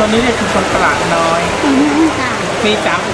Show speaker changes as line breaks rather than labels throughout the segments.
ตัวนี้เนี่ยคือคนตลาดน้อย
ค่ะ
ปี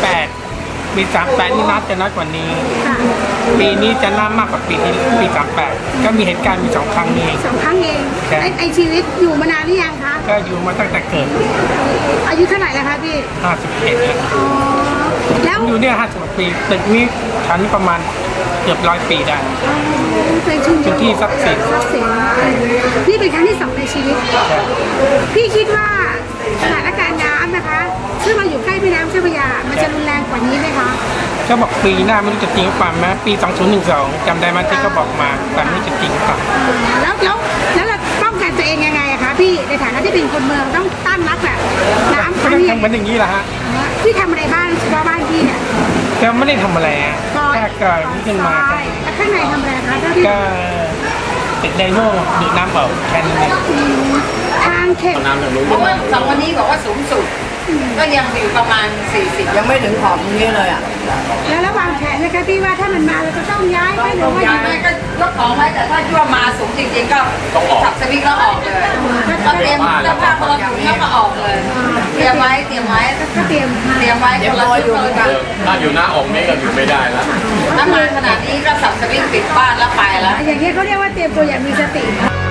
38นี่นัดจะน้อยกว่านี้
ค่ะ
ปีนี้จะน่ามากกว่าปี38ก็มีเหตุการณ์มี2 ครั้งนี้
2 ครั้งเอง
ใช่
ไอชีวิตอยู่มานานหรือยังคะ
ก็อยู่มาตั้งแต่เกิด
อายุเท่าไหร่แล้วคะพี่
51แล้ว
อ๋อแล้ว
อยู่เนี่ย50 ปีตึกนี้ชั้นประมาณเกือบ100 ปีได้
เป็นชุมช
เป็น
น
ที่ทรัพย์สิน
ทรัพย์สินนี่เป็นครั้งที่ 2ในชีวิต พี่คิดว่าสถานการณ์น้ำนะคะซึ่งเราอยู่ใกล้แม่น้ำเจ้าพระยา มันจะรุนแรงกว่านี้ไหมคะ
ก็บอกปีหน้าไม่รู้จะจริงหรือเปล่าไหมปี 2012จำได้ไหมที่เขาบอกมาแต่ไม่รู้จะจริงหรือเปล่า
แล้วเราป้องกันตัวเองยังไงอะคะพี่ในฐานะที่เป็นคนเมืองต้องต้านรับแบบน้ำค
ก็
รั้ง
ต้อง
นี้
ทำเหมือนอย่างนี้แหละฮะ
พี่ทำอะไรบ้างเฉพาะบ้านพี่เนี่ย
ก็ไม่ได้ทำอะไรอะแค่เกิดขึ้นมา
ใช่แล้วข้างในทำอะไรคะเจ้าที่
ก็ติดไดโน่ดูดน้ำเปล่าแค่นั้นเอง
ทางเข็ม
เพราะว่า2 วันนี้บอกว่าสูงสุด ก็ยังอยู่ประมาณ 40
ยังไม่ถึงขอบตรงนี้เลยอ่ะ
แล้วระหว่างแผนนะคะพี่ว่าถ้ามันมาเราจะต้องย้ายไหมหรือว่า
ย้ายไปก็ยกของไว้แต่ถ้ายั่วมาสูงจริงๆก็สับสวิงแล้วออกเลยก็เตรียมเสื้อผ้าคนละถุงแล้วก็ออกเลย เตรียมไว้
ก็เตรียม
ไว้คนละชุดคนละถุง
ถ้าอยู่หน้าอกนี่ก็อยู่ไม่ได้แล้ว
ถ้ามาขนาดนี้ก็สับสวิงปิดบ้านแล้วไปแล้ว
อย่างนี้ยเขาเรียกว่าเตรียมตัวอย่างมีสติ